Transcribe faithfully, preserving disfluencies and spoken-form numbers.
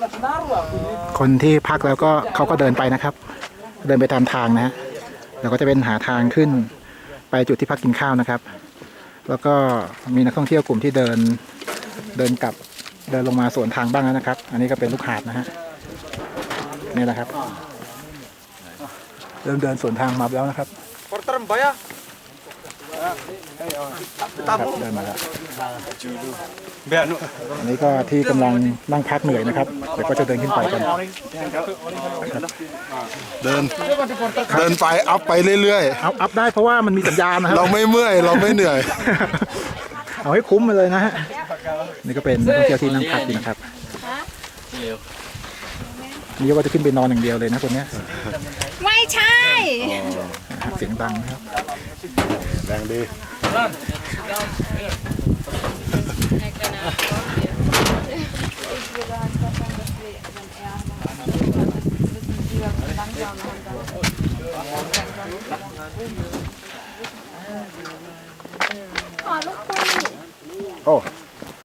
คนที่พักแล้วก็เขาก็เดินไปนะครับ เดินไปตามทางนะฮะแล้วก็จะเป็นหาทางขึ้นไปจุดที่พักกินข้าวนะครับ แล้วก็มีนักท่องเที่ยวกลุ่มที่เดินเดินกลับเดินลงมาสวนทางบ้างแล้วนะครับ อันนี้ก็เป็นลูกหาดนะฮะนี่แหละครับเริ่มเดินสวนทางมาแล้วนะครับครับเดินมาแล้วอันนี้ก็ที่กำลังนั่งพักเหนื่อยนะครับเดี๋ยวก็จะเดินขึ้นไปกันเดินเดินไปอัพไปเรื่อยๆอัพอัพได้เพราะว่ามันมีสัญญาณนะครับเราไม่เมื่อยเราไม่เหนื่อยเอาให้คุ้มไปเลยนะฮะนี่ก็เป็นนักท่องเที่ยวที่นั่งพักอยู่นะครับนี่ก็จะขึ้นไปนอนอย่างเดียวเลยนะคนนี้ไม่ใช่เสียงดังนะครับดังดีโอ้